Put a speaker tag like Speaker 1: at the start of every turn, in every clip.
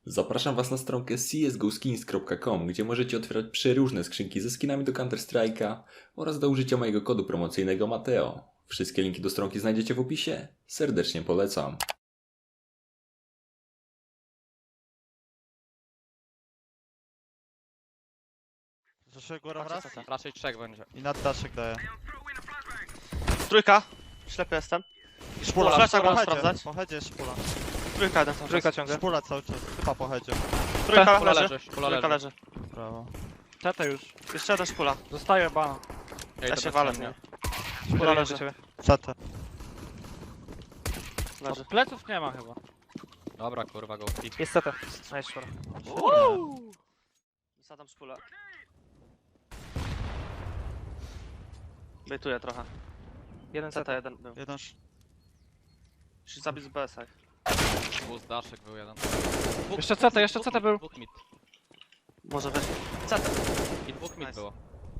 Speaker 1: Zapraszam Was na stronkę csgoskins.com, gdzie możecie otwierać przeróżne skrzynki ze skinami do Counter-Strike'a oraz do użycia mojego kodu promocyjnego Mateo. Wszystkie linki do stronki znajdziecie w opisie. Serdecznie polecam.
Speaker 2: Zaszły górą raz
Speaker 3: Raczej trzech będzie.
Speaker 2: i nad daszek daje.
Speaker 4: Trójka. Ślepy jestem.
Speaker 2: Szpula,
Speaker 4: Flasha
Speaker 2: szpula,
Speaker 4: mam sprawdzać.
Speaker 2: Po headzie jest szpula.
Speaker 4: Trójka jeden cały
Speaker 3: Trójka
Speaker 4: czas.
Speaker 3: ciągle.
Speaker 2: Szpula cały czas, chyba po headzie.
Speaker 4: Trójka
Speaker 3: Szpula
Speaker 4: leży.
Speaker 3: leży, szpula
Speaker 4: Trójka
Speaker 3: leży.
Speaker 4: leży.
Speaker 2: Brawo.
Speaker 5: Tete już.
Speaker 4: Jeszcze jeden szpula.
Speaker 5: Zostaje bana.
Speaker 4: Ja się walę w
Speaker 3: mnie.
Speaker 4: nią. Szpula leży.
Speaker 2: CT.
Speaker 4: Leży.
Speaker 5: Pleców nie ma chyba.
Speaker 3: Dobra, kurwa, go pick.
Speaker 5: Jest tete. Nice szpora.
Speaker 4: Wysadzam szpulę. Bejtuję trochę.
Speaker 5: Jeden
Speaker 4: CT
Speaker 5: tete.
Speaker 4: jeden był.
Speaker 2: Jeden
Speaker 4: Musisz zabić z BS-a.
Speaker 3: Boost daszek był jeden.
Speaker 5: Jeszcze CT, jeszcze CT był.
Speaker 3: Dwóch mid.
Speaker 4: Może weź. CT.
Speaker 3: I dwóch mid
Speaker 4: Nice.
Speaker 3: było.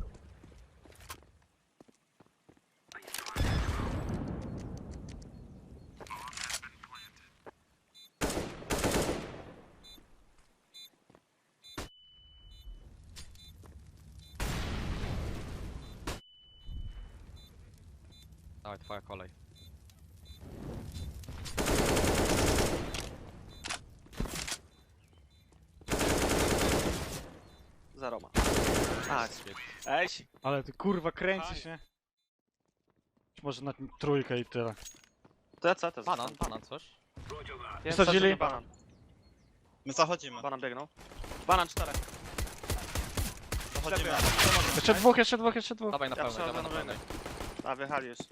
Speaker 3: Dawaj, twoja kolej.
Speaker 4: Zero ma. Tak. Ej.
Speaker 5: Ale ty kurwa kręcisz, nie? Może na trójkę i tyle.
Speaker 4: To ja CT.
Speaker 3: Banan, coś?
Speaker 5: Wysadzili?
Speaker 4: Banan.
Speaker 2: My zachodzimy.
Speaker 4: Banan biegnął. Banan 4.
Speaker 2: Zachodzimy.
Speaker 5: Jeszcze dwóch, jeszcze dwóch, jeszcze dwóch.
Speaker 3: Dawaj na
Speaker 4: Ja
Speaker 3: pełnej,
Speaker 4: przechodzę
Speaker 3: dawaj na
Speaker 4: na
Speaker 3: pełnej.
Speaker 4: A, wjechali już.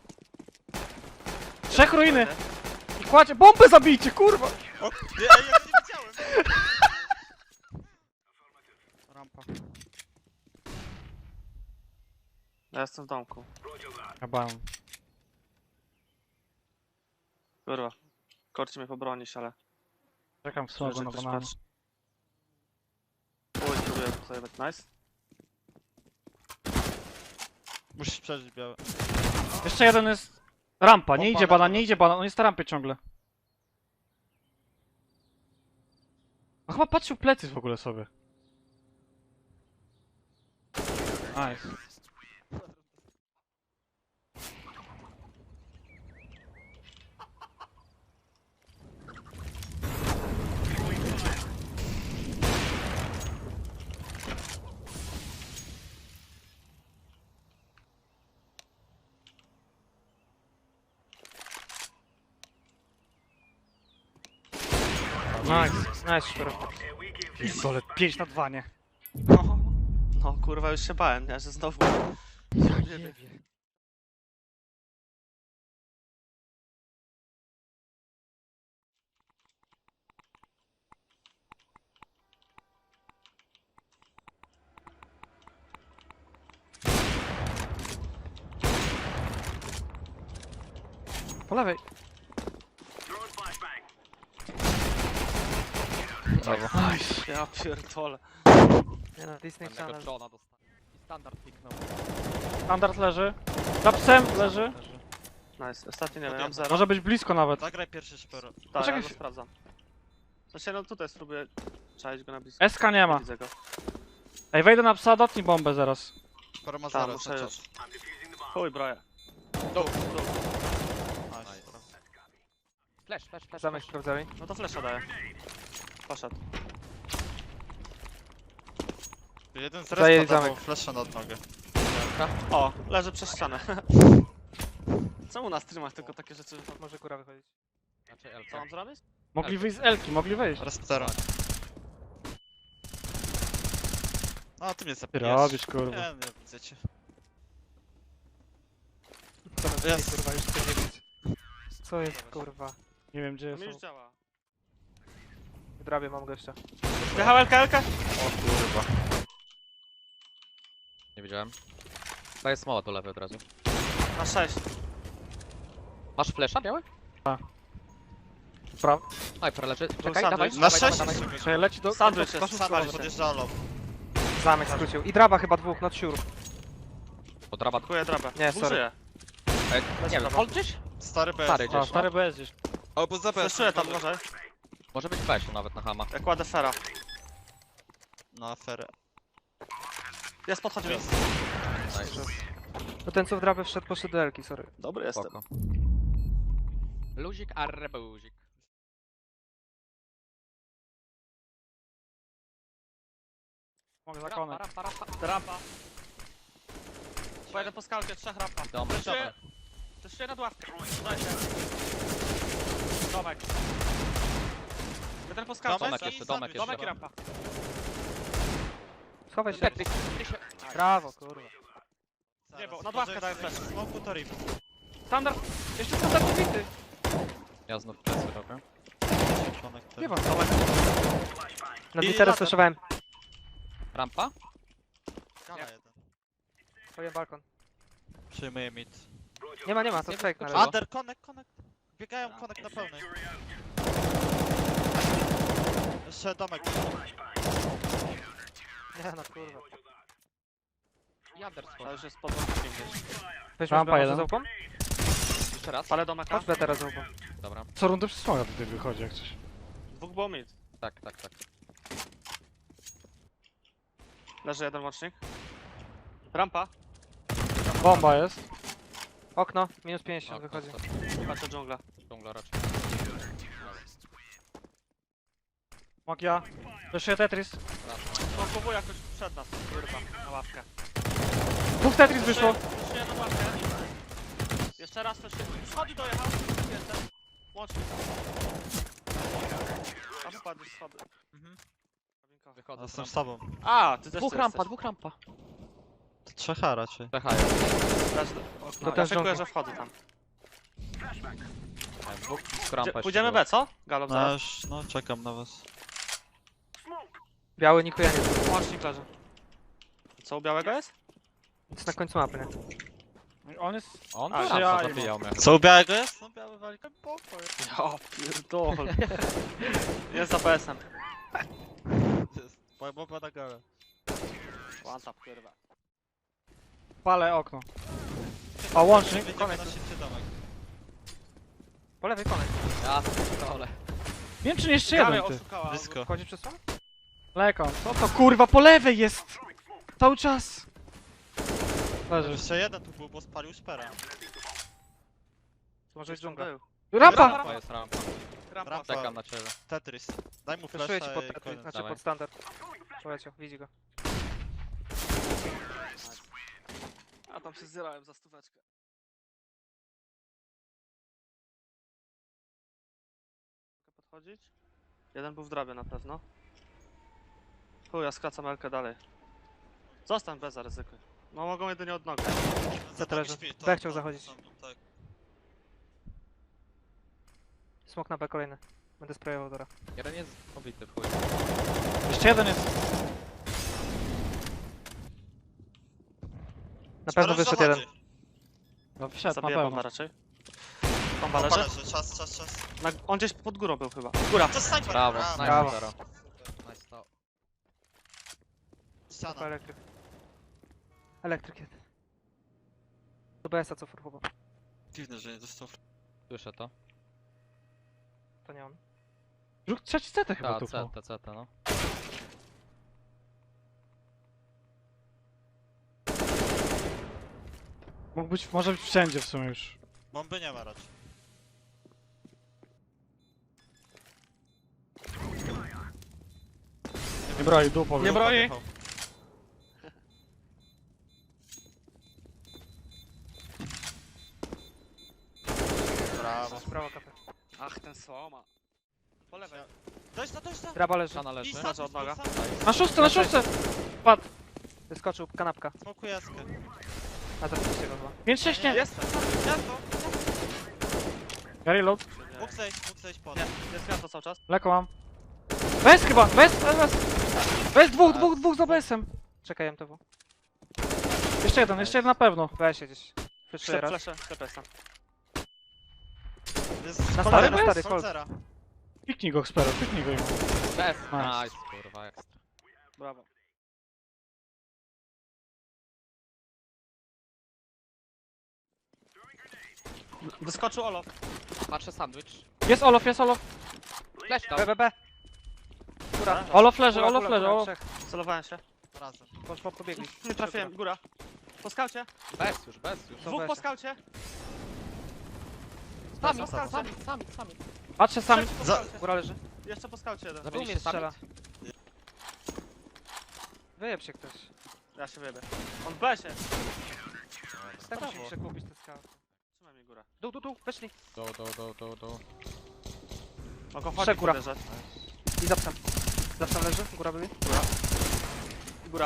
Speaker 5: Trzech ruiny! I kładzie, bombę zabijcie, kurwa!
Speaker 2: O, nie, ej, ja go nie widziałem. Rampa.
Speaker 4: Ja jestem w domku.
Speaker 5: Chyba.
Speaker 4: Kurwa. Korci mnie pobronić, ale...
Speaker 5: Czekam w smogu na
Speaker 4: ktoś
Speaker 5: bananie.
Speaker 4: patrzy. Oj, próbuję sobie dać. Nice.
Speaker 2: Musisz przeżyć białe.
Speaker 5: Jeszcze jeden jest... Rampa, nie
Speaker 2: Bomba
Speaker 5: idzie
Speaker 2: na
Speaker 5: banan,
Speaker 2: dole.
Speaker 5: nie idzie banan, on jest na rampie ciągle. No chyba patrzył plecy w ogóle sobie. Nice. Nice, nice, szpera. Pistole, 5 na 2, nie?
Speaker 4: No. No kurwa, już się bałem, nie? Że znowu...
Speaker 5: Ja nie wiem. Po lewej.
Speaker 3: Brawo.
Speaker 5: Nice.
Speaker 4: Ja pierdolę.
Speaker 5: Nie no, Disney
Speaker 3: Jednego
Speaker 5: Channel.
Speaker 3: Johna dostał. I standard piknął.
Speaker 5: Standard leży. Za psem leży.
Speaker 4: Nice. Ostatni nie wiem, mam zero.
Speaker 5: Może być blisko nawet.
Speaker 2: Zagraj pierwszy szpero.
Speaker 4: Tak, ja
Speaker 5: Poczekaj
Speaker 4: go
Speaker 5: chwilę.
Speaker 4: sprawdzam. Znaczy, no tutaj spróbuję czaić go na blisko.
Speaker 5: SK nie ma.
Speaker 4: Widzę go.
Speaker 5: Ej, wejdę na psa, dotnij bombę zaraz.
Speaker 2: Szpero ma
Speaker 4: Tam,
Speaker 2: zero
Speaker 4: muszę
Speaker 2: cały
Speaker 4: już.
Speaker 2: czas.
Speaker 4: Chuj, broję.
Speaker 2: Nice.
Speaker 3: Flash.
Speaker 5: Zamek sprawdzali.
Speaker 4: No to flesza daję. Poszedł.
Speaker 2: Jeden z
Speaker 5: Zajęli
Speaker 2: respa dawał
Speaker 5: zamek.
Speaker 2: flasha nad nogę.
Speaker 4: O, leży przez ścianę. Czemu na streamach tylko takie rzeczy?
Speaker 5: Może góra wychodzić.
Speaker 3: Znaczy
Speaker 4: Co
Speaker 3: LC.
Speaker 4: mam zrobić?
Speaker 5: Mogli wyjść z Elki, mogli wejść.
Speaker 2: Resptero. A, ty mnie
Speaker 5: Ty
Speaker 2: zabijesz.
Speaker 5: robisz, kurwa.
Speaker 2: Nie, nie widzę cię.
Speaker 5: Jest. Kurwa, już chcę wiedzieć. Co jest, kurwa? Nie wiem, gdzie
Speaker 4: To mi już
Speaker 5: jest.
Speaker 4: działa.
Speaker 5: Drabię, mam gościa.
Speaker 4: Wjechał LK?
Speaker 2: O kurwa.
Speaker 3: Nie widziałem. Daję smoła do lewej od razu.
Speaker 4: Na 6.
Speaker 3: Masz flesza biały?
Speaker 5: Prawo.
Speaker 3: Sniper leży. Czekaj,
Speaker 4: sandwich.
Speaker 3: dawaj.
Speaker 2: Na
Speaker 3: dawaj,
Speaker 2: 6
Speaker 3: dawaj,
Speaker 2: jest
Speaker 3: dawaj.
Speaker 5: Czekaj, leci do...
Speaker 4: Sandwich jest,
Speaker 2: Sandwich
Speaker 4: sandwich.
Speaker 2: podjeżdża low.
Speaker 5: Zamek skrócił. I draba chyba dwóch, not sure.
Speaker 3: Bo draba...
Speaker 4: Kupuję drabę.
Speaker 5: Nie,
Speaker 4: Dwóch
Speaker 5: sorry.
Speaker 4: żyje.
Speaker 3: Nie wiem, hold gdzieś?
Speaker 2: Stary BS.
Speaker 3: Stary
Speaker 5: A,
Speaker 3: gdzieś.
Speaker 5: stary BS gdzieś.
Speaker 2: Albo za BS.
Speaker 4: Fleszuję tam, może.
Speaker 3: Może być wejściu nawet na hama.
Speaker 4: Ja kładę fera.
Speaker 2: Na aferę.
Speaker 4: Jest, podchodzi mi.
Speaker 3: Nice.
Speaker 5: No ten co w drabę wszedł, poszedł do Elki, sorry.
Speaker 4: Dobry jestem.
Speaker 3: Spoko. Luzik, arrebuzik.
Speaker 5: Mogę
Speaker 3: Rampa,
Speaker 5: zakonać.
Speaker 3: rampa, rampa.
Speaker 4: Rampa. Pojedę po skalkę, 3 rampa.
Speaker 3: Domek,
Speaker 4: Fleszuję-
Speaker 3: domek.
Speaker 4: Fleszuję nad ławkę. Daj się. Domek. Jeden po skalce.
Speaker 3: Domek jeszcze, domek jeszcze.
Speaker 4: Domek i rampa.
Speaker 5: Schowaj się.
Speaker 3: Tetris.
Speaker 5: Brawo, kurwa.
Speaker 4: Nie, bo nad ławkę daję flash.
Speaker 2: Smoku to rip.
Speaker 5: Standard! Jeszcze standard pobity!
Speaker 3: Ja znów plecy robię.
Speaker 5: Nie wam.
Speaker 4: Domek.
Speaker 5: Na
Speaker 2: I
Speaker 5: Twitterze
Speaker 2: latem.
Speaker 5: słyszałem.
Speaker 3: Rampa?
Speaker 2: Gala jeden.
Speaker 5: Twoje balkon.
Speaker 2: Przyjmuję mid.
Speaker 5: Nie ma, to
Speaker 3: Nie
Speaker 5: fake na
Speaker 3: wyskoczyło.
Speaker 5: razie.
Speaker 2: Under, connect. Biegają connect na pełnej. Jeszcze domek.
Speaker 5: Nie no, kurwa.
Speaker 3: Jader
Speaker 4: To
Speaker 3: schodzi.
Speaker 4: już jest pod ławkiem gdzieś.
Speaker 5: Weźmy
Speaker 6: Rampa
Speaker 5: może
Speaker 6: jeden.
Speaker 5: za łupą?
Speaker 3: Jeszcze raz?
Speaker 4: Palę domeka.
Speaker 5: Chodź B teraz za łupą.
Speaker 3: Dobra.
Speaker 6: Co rundę przez smoga tutaj wychodzi jak coś.
Speaker 4: Dwóch było mid.
Speaker 3: Tak, tak, tak.
Speaker 4: Leży jeden łącznik. Rampa.
Speaker 6: Bomba jest.
Speaker 5: Okno, minus 50
Speaker 3: Okno,
Speaker 5: wychodzi.
Speaker 3: stop.
Speaker 4: Patrzę dżungla.
Speaker 3: Dżungla raczej.
Speaker 6: Magia. Jeszcze Tetris.
Speaker 4: Smokowuję jakoś przed nas, kurwa, na ławkę.
Speaker 6: Dwóch Tetris wyszło.
Speaker 4: Fleszuję na ławkę. Jeszcze raz fleszuję. Schody dojechał. Jestem. Łącznik. A wpadł z schody.
Speaker 3: Wychodzę.
Speaker 2: Jestem z tobą.
Speaker 4: A, ty też
Speaker 3: Dwóch
Speaker 4: tu
Speaker 3: rampa,
Speaker 4: jesteś.
Speaker 3: dwóch rampa.
Speaker 2: To trzecha raczej.
Speaker 3: Pecha jest.
Speaker 4: Leży.
Speaker 5: To
Speaker 4: Ja
Speaker 5: też
Speaker 4: szykuję,
Speaker 5: dżungla.
Speaker 4: że wchodzę tam.
Speaker 3: Nie, dwóch rampa jeszcze
Speaker 4: Pójdziemy
Speaker 3: było.
Speaker 4: B, co? Galop
Speaker 2: No
Speaker 4: zaraz.
Speaker 2: już, no czekam na was.
Speaker 5: Biały nikuje nie.
Speaker 4: Łącznik leży. Co u białego jest?
Speaker 5: Jest na końcu mapy, nie?
Speaker 6: On jest...
Speaker 3: On
Speaker 4: A,
Speaker 3: tu
Speaker 6: ja-
Speaker 3: rampa zabijał mnie.
Speaker 2: Co u białego jest? No biały wali pokój.
Speaker 4: Ja pierdolę. Jest za PS-em.
Speaker 2: Bomba na galę.
Speaker 4: One tap, kurwa.
Speaker 6: Palę okno. A łącznik?
Speaker 2: Wyjdziemy na szybcie domek.
Speaker 5: Po lewej konek.
Speaker 3: Ja dole.
Speaker 6: Wiem czy nie jeszcze
Speaker 4: Gały
Speaker 6: jeden ty.
Speaker 4: oszukała.
Speaker 2: Blisko.
Speaker 5: Wchodzi przez słon?
Speaker 6: Lekon. Co to kurwa po lewej jest? Cały czas. Leży.
Speaker 2: Jeszcze jeden tu był, bo spalił szpera.
Speaker 5: To może być dżungla.
Speaker 4: Był.
Speaker 6: Rampa!
Speaker 3: Rampa jest rampa.
Speaker 2: Rampa.
Speaker 3: Czekam na ciebie.
Speaker 2: Tetris. Daj mu
Speaker 5: Fleszuję ci
Speaker 2: flasha
Speaker 5: pod
Speaker 2: i
Speaker 5: Tetris,
Speaker 2: koniec.
Speaker 5: znaczy
Speaker 3: Dawaj.
Speaker 5: pod standard. Poleciał, widzi go.
Speaker 4: A tam się zjadałem za stóweczkę. Mogę podchodzić? Jeden był w drabie na pewno. Chuj, ja skracam Elkę dalej. Zostań bez zaryzykuj. No mogą jedynie od nogi.
Speaker 5: leży. B chciał zachodzić.
Speaker 2: Tak.
Speaker 5: Smok na B kolejny. Będę sprayował Dora.
Speaker 3: Jeden jest pobity w chuj.
Speaker 6: Jeszcze jeden jest.
Speaker 5: Na pewno wyszedł jeden.
Speaker 6: No wszedł na
Speaker 4: Zabiję bomba
Speaker 6: pewno.
Speaker 4: raczej. Bomba leży.
Speaker 2: Leży, czas.
Speaker 4: On gdzieś pod górą był chyba. Góra.
Speaker 2: To snajper!
Speaker 3: Brawo,
Speaker 5: Brawo.
Speaker 3: nice zero. Nice to.
Speaker 5: Tylko
Speaker 2: Ściana.
Speaker 5: elektryk. Elektryk jest. Do BS-a co furchowo.
Speaker 2: Dziwne, że nie dostał.
Speaker 3: Słyszę to.
Speaker 5: To nie on.
Speaker 6: Drugi, trzeci CT chyba
Speaker 3: Ta,
Speaker 6: tu.
Speaker 3: CT, no.
Speaker 6: Mógł być, może być wszędzie w sumie już.
Speaker 2: Bomby nie ma raczej.
Speaker 6: Nie broi, dupo.
Speaker 4: Nie broi.
Speaker 2: Brawo.
Speaker 5: Prawa kapę.
Speaker 4: Ach, ten słoma. Po lewej.
Speaker 2: Dość na.
Speaker 5: Draba leży.
Speaker 3: Szana leży.
Speaker 4: Leży od noga.
Speaker 6: Na szóstce! Padł.
Speaker 5: Wyskoczył, kanapka.
Speaker 2: Smokuję jaskę.
Speaker 5: A zapiszcie go chyba.
Speaker 6: 5-6 nie.
Speaker 4: Jest! Gwiazdo!
Speaker 6: Ja reload.
Speaker 2: Mógł zejść pod.
Speaker 4: Nie, jest gwiazdo cały czas.
Speaker 6: Leko mam. Bez chyba! Bez dwóch za BS-em.
Speaker 5: Czekaj MTW.
Speaker 6: Jeszcze jeden na pewno.
Speaker 5: Weź się gdzieś. Fleszuję raz.
Speaker 4: Flesze, TPS.
Speaker 2: Jest
Speaker 5: Na
Speaker 6: stary,
Speaker 2: Kolera,
Speaker 6: na stary,
Speaker 2: Kolcera.
Speaker 6: Piknij go, Xpero, piknij go im.
Speaker 3: Bez.
Speaker 6: Nice.
Speaker 3: Nice, kurwa, ekstra.
Speaker 4: Brawo. Wyskoczył Olof.
Speaker 3: Patrzę sandwich.
Speaker 6: Jest Olof, jest Olof.
Speaker 3: Flash tam.
Speaker 5: B. Góra.
Speaker 6: Olof leży,
Speaker 5: Góra,
Speaker 6: Olof
Speaker 5: góra,
Speaker 6: leży,
Speaker 5: góra,
Speaker 6: Olof.
Speaker 5: trzech.
Speaker 4: Celowałem się.
Speaker 2: Razem.
Speaker 5: Pobiegli.
Speaker 4: Nie trafiłem, góra. Po skaucie.
Speaker 3: Bez już, bez już.
Speaker 4: Dwóch po
Speaker 5: weź.
Speaker 4: skaucie.
Speaker 3: Sami,
Speaker 4: Sami.
Speaker 3: sami.
Speaker 6: Patrzę sami.
Speaker 4: Trzeci po
Speaker 2: Za-
Speaker 4: skaucie.
Speaker 5: Góra leży.
Speaker 4: Jeszcze po skaucie jeden.
Speaker 5: Tu mnie
Speaker 3: Zabiliście
Speaker 5: strzela.
Speaker 3: sami?
Speaker 5: Wyjeb się ktoś.
Speaker 4: Ja się wyjebę. On w besie.
Speaker 5: Tak musisz kupić te skały.
Speaker 4: Trzymaj mi górę.
Speaker 5: Dół, weszli.
Speaker 3: Do.
Speaker 4: Mogą
Speaker 5: Trzech
Speaker 4: chodzić
Speaker 5: góra.
Speaker 4: podejrzeć.
Speaker 5: I zapsam. Zapsam leży, góra byli.
Speaker 4: Góra.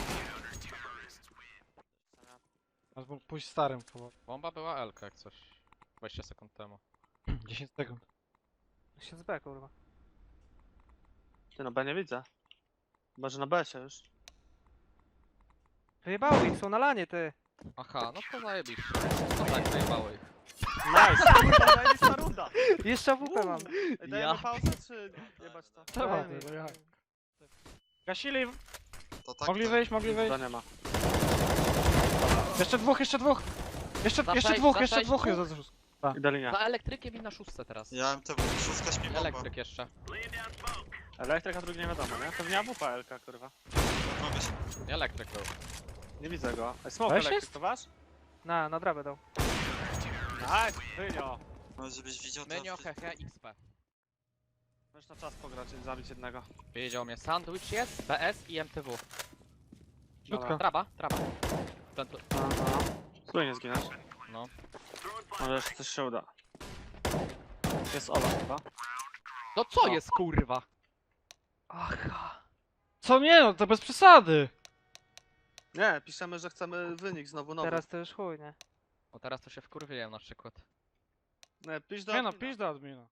Speaker 6: Pójść starym.
Speaker 3: Bomba była L jak coś. 20 sekund temu.
Speaker 6: 10 sekund.
Speaker 5: Się z B, kurwa.
Speaker 4: Ty no B nie widzę. Może na B się już.
Speaker 5: Wyjebały ich, są na lanie, ty.
Speaker 3: Aha, no to zajebiście. No tak, zajebało ich.
Speaker 4: Nice! Kurwa, zajebista runda!
Speaker 5: Jeszcze AWP mam.
Speaker 4: Ej, dajemy pauzę, czy jebać to?
Speaker 6: Dobra, no jak. Gasili,
Speaker 2: To tak.
Speaker 6: mogli wyjść, mogli wyjść.
Speaker 4: To nie ma.
Speaker 6: Jeszcze dwóch. Jeszcze
Speaker 3: Zaprzejdź,
Speaker 6: dwóch
Speaker 3: zaprzejdź,
Speaker 6: jest.
Speaker 4: Idę linia.
Speaker 3: Za elektrykiem i na szóstce teraz.
Speaker 2: Ja MTW, szóstka śpi bomba.
Speaker 3: Elektryk jeszcze.
Speaker 4: Elektryka drugi nie wiadomo, nie? Pewnie AWP LK, kurwa.
Speaker 2: Mogę się.
Speaker 3: Nie elektryk był.
Speaker 4: Nie widzę go. Ej, smoke
Speaker 6: Weź
Speaker 4: elektryk,
Speaker 6: jest?
Speaker 4: to wasz?
Speaker 5: Na drabę dał.
Speaker 4: Nice, wynio.
Speaker 2: Może żebyś widział to.
Speaker 3: Menio, hehe, XP.
Speaker 4: Możesz na czas pograć i zabić jednego.
Speaker 3: Wiedział mnie. Sandwich jest, BS i MTW.
Speaker 6: Środka.
Speaker 3: Traba. Ten tu.
Speaker 4: Aha. Spróbuj nie zginąć.
Speaker 3: No.
Speaker 4: Może jeszcze coś się uda. Jest Ola chyba.
Speaker 3: No co jest kurwa?
Speaker 5: Aha.
Speaker 6: Co nie no, to bez przesady.
Speaker 4: Nie, piszemy, że chcemy wynik znowu nowy.
Speaker 5: Teraz to już chuj, nie?
Speaker 3: O teraz to się wkurwiłem na przykład.
Speaker 4: Nie, pisz do
Speaker 6: Nie no,
Speaker 4: admina.
Speaker 6: pisz do admina.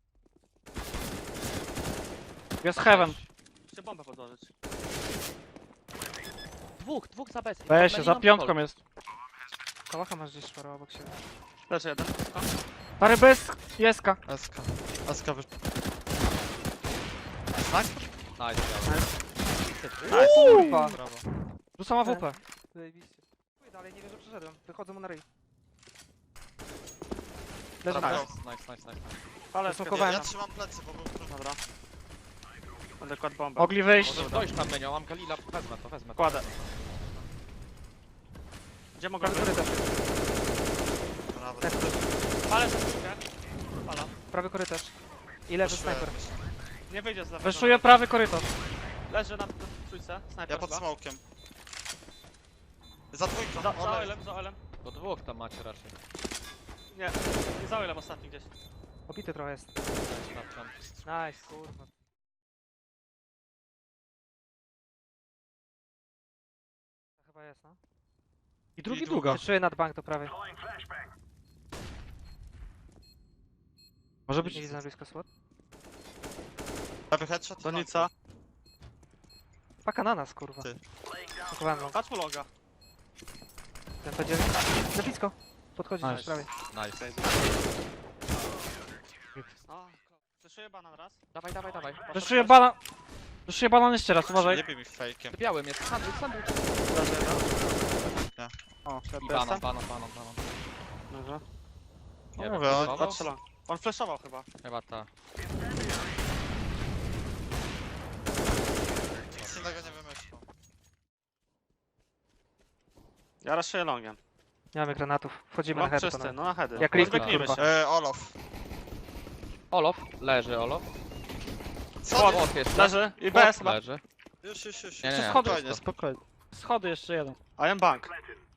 Speaker 6: Jest heaven.
Speaker 4: Musicie bombę podłożyć.
Speaker 3: Dwóch za bez.
Speaker 6: Weź się, za piątką jest.
Speaker 5: Kałacha masz gdzieś szparo obok siebie.
Speaker 4: Leży jeden.
Speaker 6: Stary bez jeska.
Speaker 2: SK. SK wy...
Speaker 3: Nice,
Speaker 4: Nice.
Speaker 5: Kurwa.
Speaker 3: brawo.
Speaker 6: Rzucam AWP.
Speaker 5: Zajebiście. Chuj, dalej nie wiem, że przeszedłem. Wychodzą mu na ryj.
Speaker 4: Leży
Speaker 2: Dobra.
Speaker 4: nice.
Speaker 3: Nice.
Speaker 4: Ale
Speaker 5: Zasmokowałem.
Speaker 2: Ja trzymam plecy, bo był trudny.
Speaker 4: Dobra. Będę kładł bombę.
Speaker 6: Mogli wyjść.
Speaker 3: Może dojść tam Menio, mam Galila, wezmę to.
Speaker 4: Kładę. Gdzie mogę
Speaker 5: Prawy
Speaker 4: wyjść?
Speaker 5: korytarz.
Speaker 2: Brawo.
Speaker 4: Ale za skrzynkę. Pala.
Speaker 5: Prawy korytarz. I lewy
Speaker 2: Poszłem.
Speaker 5: snajper.
Speaker 4: Nie wyjdzie z lewego.
Speaker 6: Wyszuję prawy korytarz.
Speaker 4: Leży na trójce. Snajper
Speaker 2: Ja pod
Speaker 4: chyba.
Speaker 2: smokiem. Za dwójką.
Speaker 4: Za
Speaker 2: Olej.
Speaker 4: oilem, za oilem.
Speaker 3: Do dwóch tam macie raczej.
Speaker 4: Nie, nie za oilem ostatni gdzieś.
Speaker 5: Obity trochę jest.
Speaker 3: Sprawdzam.
Speaker 5: Nice, kurwa. To chyba jest, no.
Speaker 6: I drugi
Speaker 2: I
Speaker 6: długa.
Speaker 5: Wyczuję nad bank do prawej.
Speaker 6: Może
Speaker 5: Nie
Speaker 6: być...
Speaker 5: widzę na blisko słod.
Speaker 2: Prawy headshot.
Speaker 4: Donica.
Speaker 5: Paka na nas, kurwa.
Speaker 2: Ty.
Speaker 5: Pakowałem go.
Speaker 4: Patrz mu loga.
Speaker 5: Ten będzie... Na blisko. Podchodzi
Speaker 6: Nice.
Speaker 5: nice. prawej.
Speaker 3: Nice.
Speaker 4: No. Fleszuję banan raz.
Speaker 3: Dawaj.
Speaker 6: Wyszuję banan. Wyszuję banan jeszcze raz, uważaj.
Speaker 2: Nie bij mi fejkiem.
Speaker 3: Białym jest sandwich.
Speaker 4: Leży jeden.
Speaker 5: O,
Speaker 3: I
Speaker 4: Jestem?
Speaker 3: banan.
Speaker 4: Dobrze.
Speaker 3: Nie
Speaker 2: No
Speaker 3: wiem,
Speaker 2: mówię,
Speaker 3: flashował?
Speaker 4: Patrzę long. On flashował chyba.
Speaker 3: Chyba ta.
Speaker 2: Nic innego nie wymyślą.
Speaker 4: Ja raszuję longiem.
Speaker 5: nie mamy granatów. Wchodzimy na
Speaker 4: Long
Speaker 5: head.
Speaker 4: czysty,
Speaker 5: panowie.
Speaker 4: no na heady.
Speaker 5: Jak Liquid,
Speaker 4: Rozbiegnijmy
Speaker 5: kurwa.
Speaker 4: się.
Speaker 2: Olof.
Speaker 3: Olof, leży Olof.
Speaker 2: Co?
Speaker 3: Olof jest.
Speaker 4: Leży i BS chyba.
Speaker 3: Leży.
Speaker 2: Już.
Speaker 3: Nie, nie.
Speaker 6: Schody,
Speaker 2: Spokojnie,
Speaker 6: spokojnie. Schody jeszcze jeden.
Speaker 4: I am bank.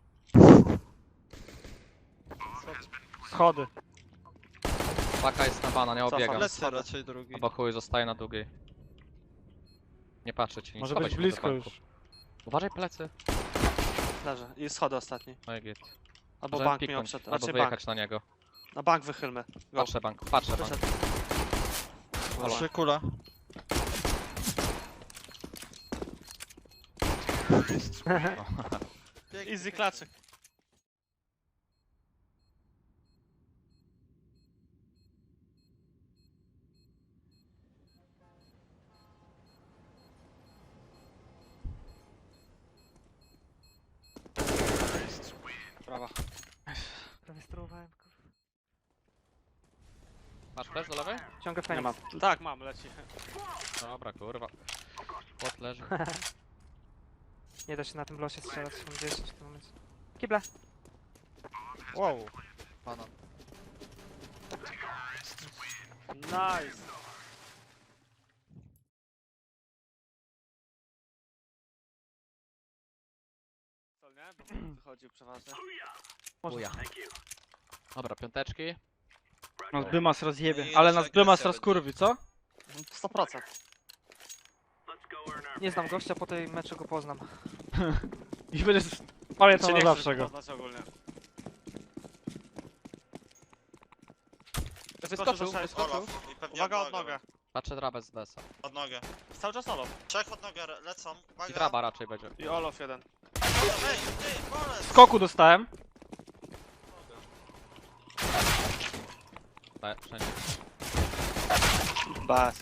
Speaker 6: Schody.
Speaker 3: Paka jest na banan, nie
Speaker 4: Cofam.
Speaker 3: obiegam.
Speaker 2: Lecę raczej drugi.
Speaker 3: Albo chuj zostaje na długiej. Nie patrzę ci, nie
Speaker 6: Może
Speaker 3: schowaj
Speaker 6: być
Speaker 3: się do
Speaker 6: blisko
Speaker 3: banku.
Speaker 6: już.
Speaker 3: Uważaj plecy.
Speaker 4: Leży. I schody ostatni.
Speaker 3: No i git.
Speaker 4: Albo
Speaker 3: Możemy
Speaker 4: bank mi
Speaker 3: piknąć,
Speaker 4: obszedł.
Speaker 3: albo
Speaker 4: Raczej
Speaker 3: wyjechać
Speaker 4: bank.
Speaker 3: na niego.
Speaker 4: Na bank wychylmy. Go.
Speaker 3: Patrzę bank.
Speaker 4: Wyszedł.
Speaker 2: Trzy kula.
Speaker 4: Easy klaczyk. Brawa.
Speaker 5: Prawie sterowałem, kurwa.
Speaker 3: Masz też do lewej?
Speaker 6: Ciągę
Speaker 4: Nie
Speaker 6: Feniks.
Speaker 4: mam. Tak, mam, leci.
Speaker 3: Dobra, kurwa. Płot leży.
Speaker 6: Nie da się na tym losie strzelać, mam 10 w tym momencie. Kible.
Speaker 2: Wow. Pana.
Speaker 4: Nice. Co nie? Bo wychodził przeważnie.
Speaker 3: Chuja. Dobra, piąteczki.
Speaker 6: Nas Bymas rozjebie,
Speaker 2: I
Speaker 6: ale
Speaker 2: nasza
Speaker 6: nas Bymas
Speaker 2: agresja
Speaker 6: rozkurwi, co?
Speaker 4: 100%.
Speaker 6: Nie znam gościa, po tej meczu go poznam.
Speaker 5: I będziesz pamiętał na
Speaker 4: nie
Speaker 5: zawsze
Speaker 4: chcesz
Speaker 5: go.
Speaker 4: poznać ogólnie.
Speaker 3: Wyskoczył,
Speaker 4: do
Speaker 3: wyskoczył.
Speaker 2: Olaf. I pewnie
Speaker 4: Uwaga od nogę.
Speaker 3: Patrzę drabę z desa.
Speaker 2: Od nogę.
Speaker 4: Cały czas Olof.
Speaker 2: Trzech od nogę lecą. Uwaga.
Speaker 3: I draba raczej będzie.
Speaker 4: I Olof jeden.
Speaker 2: Ej, ty, bolec!
Speaker 5: Skoku dostałem.
Speaker 3: Wszędzie.
Speaker 4: Bas.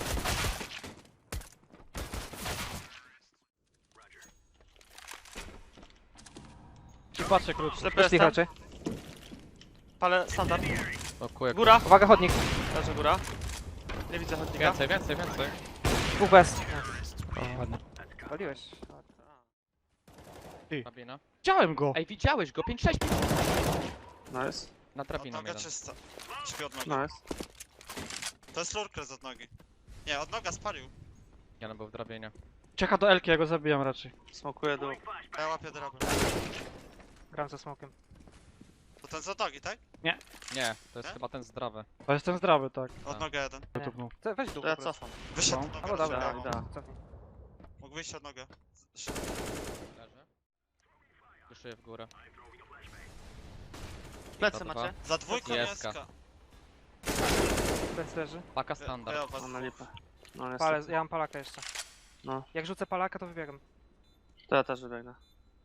Speaker 5: I patrzę krótko.
Speaker 4: Ślepy
Speaker 6: Bez tych
Speaker 4: jestem.
Speaker 6: raczej.
Speaker 4: Palę standard.
Speaker 3: O kuje.
Speaker 4: Góra.
Speaker 6: Uwaga, chodnik.
Speaker 4: Leży góra. Nie widzę chodnika.
Speaker 3: Więcej, więcej, więcej.
Speaker 6: Dwóch bez.
Speaker 5: Ładnie.
Speaker 6: Paliłeś.
Speaker 3: Drabina.
Speaker 5: Widziałem go.
Speaker 3: Ej, widziałeś go? 5-6.
Speaker 4: Nice.
Speaker 3: Na
Speaker 2: Od
Speaker 3: drabiną
Speaker 2: noga
Speaker 3: jeden.
Speaker 2: czysta. Śpi od nogi.
Speaker 4: Nice.
Speaker 2: To jest lurker od nogi. Nie, od noga spalił.
Speaker 3: Jeden był w drabinie.
Speaker 5: Czeka do Elki, ja go zabijam raczej.
Speaker 4: Smokuję dół.
Speaker 2: Ja łapię drabę.
Speaker 6: Gram ze smokiem.
Speaker 2: To ten z od nogi, tak?
Speaker 3: Nie, to jest
Speaker 2: Nie?
Speaker 3: chyba ten zdrowy.
Speaker 5: To jestem zdrowy, tak.
Speaker 2: Od
Speaker 3: Tak.
Speaker 2: nogę jeden.
Speaker 6: Nie.
Speaker 5: Tupnął.
Speaker 6: Weź dół
Speaker 4: To ja
Speaker 6: po prostu.
Speaker 4: cofam.
Speaker 2: Wyszedł
Speaker 5: No.
Speaker 2: od nogę.
Speaker 6: Albo dobra,
Speaker 2: rozbiegał.
Speaker 4: da.
Speaker 6: cofnij.
Speaker 2: Mógł wyjść od nogę.
Speaker 3: Leży. Wyszuję w górę.
Speaker 4: Plecy
Speaker 3: To
Speaker 4: macie?
Speaker 2: Za dwójką
Speaker 3: Jeska.
Speaker 2: jeska.
Speaker 6: Bez leży.
Speaker 3: Paka standard.
Speaker 2: Ja was
Speaker 4: Mam na lipę. No
Speaker 6: Palę,
Speaker 4: niestety.
Speaker 6: ja mam palaka jeszcze.
Speaker 4: No.
Speaker 6: Jak rzucę palaka, to wybiegam.
Speaker 4: To ja też wybiegnę.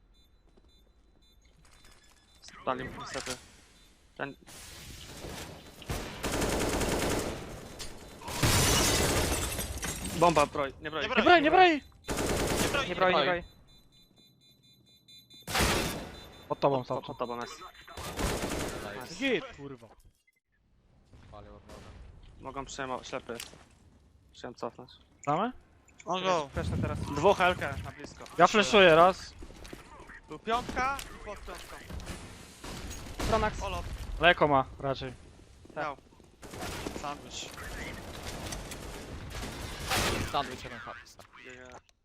Speaker 4: Spali niestety. Ten... Bomba broj, nie broj.
Speaker 2: Nie
Speaker 5: Nie braj, nie braj!
Speaker 2: Nie broi,
Speaker 6: Nie broi, nie
Speaker 3: broi.
Speaker 6: broi.
Speaker 5: Pod tobą
Speaker 4: Po
Speaker 5: sam.
Speaker 4: tobą jest.
Speaker 5: Git, kurwa.
Speaker 3: Palił od noga.
Speaker 4: Mogą przyjmować, ślepy jest. Chciałem cofnąć.
Speaker 5: Znamy?
Speaker 2: O go.
Speaker 6: Freshnę teraz.
Speaker 4: Dwóch LK na blisko.
Speaker 5: Ja flashuję raz.
Speaker 4: Tu piątka i pod piątką.
Speaker 6: Pronax.
Speaker 4: Olof,
Speaker 5: Leko ma raczej.
Speaker 4: miał.
Speaker 2: Sandwich.
Speaker 3: Sandwich jeden hard.
Speaker 4: Biegnie.